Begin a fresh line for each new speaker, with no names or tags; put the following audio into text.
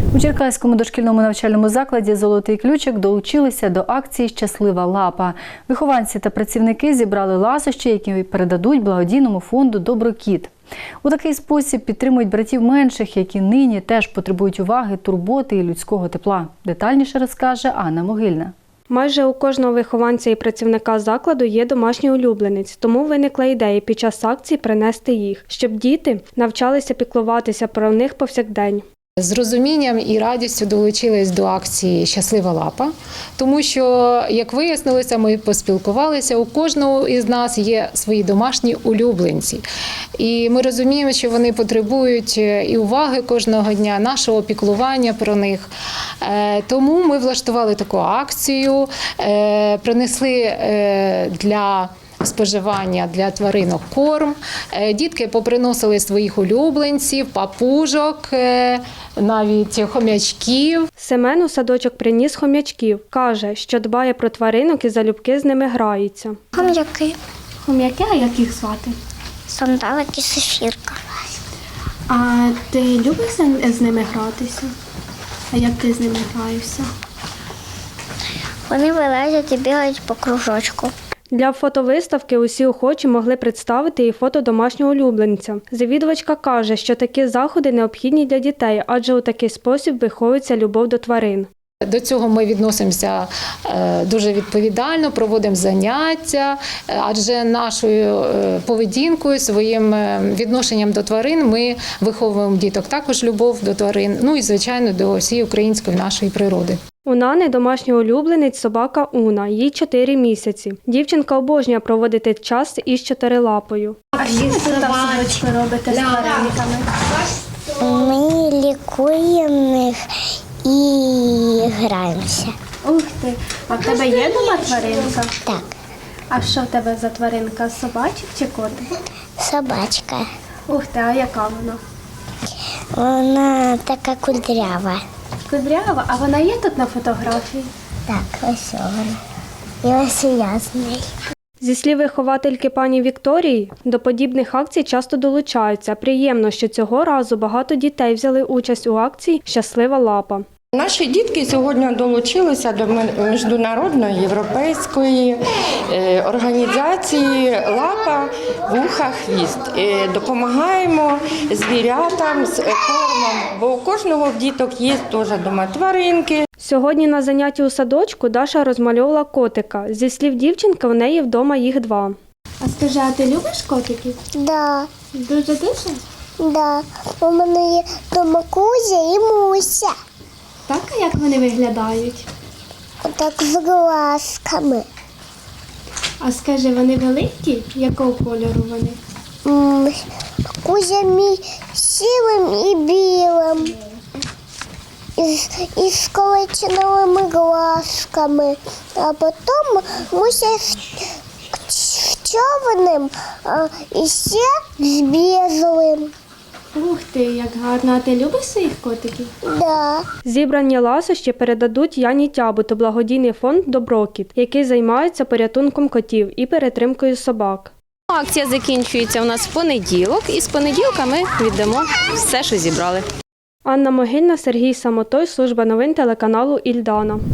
У Черкаському дошкільному навчальному закладі «Золотий ключик» долучилися до акції «Щаслива лапа». Вихованці та працівники зібрали ласощі, які передадуть благодійному фонду «Доброкіт». У такий спосіб підтримують братів менших, які нині теж потребують уваги, турботи і людського тепла. Детальніше розкаже Анна Могильна.
Майже у кожного вихованця і працівника закладу є домашній улюбленець, тому виникла ідея під час акції принести їх, щоб діти навчалися піклуватися про них повсякдень.
З розумінням і радістю долучились до акції «Щаслива лапа», тому що, як вияснилося, ми поспілкувалися, у кожного із нас є свої домашні улюбленці. І ми розуміємо, що вони потребують і уваги кожного дня, нашого піклування про них. Тому ми влаштували таку акцію, принесли для споживання для тваринок корм. Дітки поприносили своїх улюбленців, папужок, навіть хомячків.
Семен у садочок приніс хомячків. Каже, що дбає про тваринок і залюбки з ними грається.
Хом'яки.
Хом'яки, а як їх звати?
Сандалик і Софірка.
А ти любиш з ними гратися? А як ти з ними граєшся?
Вони вилазять і бігають по кружочку.
Для фотовиставки усі охочі могли представити і фото домашнього улюбленця. Завідувачка каже, що такі заходи необхідні для дітей, адже у такий спосіб виховується любов до тварин.
До цього ми відносимося дуже відповідально, проводимо заняття, адже нашою поведінкою, своїм відношенням до тварин ми виховуємо діток також любов до тварин, ну і, звичайно, до всієї української нашої природи.
У Нани домашній улюбленець собака Уна, їй 4 місяці. Дівчинка обожнює проводити час із чотирилапою.
А що ви тут в садочку робите з тваринками?
Ми лікуємо їх і граємося.
Ух ти, а в тебе є дома тваринка?
Так,
А що в тебе за тваринка? Собачик чи котик?
собачка.
Ух ти, а яка вона?
Вона така кудрява.
Кудрява, а вона є тут на фотографії?
Так, ось вона. І ось і я з нею.
Зі слів виховательки пані Вікторії, до подібних акцій часто долучаються. Приємно, що цього разу багато дітей взяли участь у акції «Щаслива лапа».
Наші дітки сьогодні долучилися до міжнародної європейської організації «Лапа, вуха, хвіст». Допомагаємо звірятам з кормом, бо у кожного в діток є теж дома тваринки.
Сьогодні на занятті у садочку Даша розмальовувала котика. Зі слів дівчинки, у неї вдома їх 2.
А скажи, а ти любиш котиків?
Да,
Дуже-дуже?
да. У мене є дома Кузя і Муся.
Так, а як вони виглядають?
Отак з глазками.
А скажи, вони великі? Якого кольору вони?
Кузя мій сірим і білим. І з колеченовими глазками. А потім Муся з чорним і ще з білим.
Ух ти, як гарно. А ти любиш своїх котиків?
Да.
Зібрані ласощі передадуть Яні Тябуту благодійний фонд «Доброкіт», який займається порятунком котів і перетримкою собак.
Акція закінчується у нас в понеділок, і з понеділка ми віддамо все, що зібрали.
Анна Могильна, Сергій Самотой, служба новин телеканалу «Ільдана».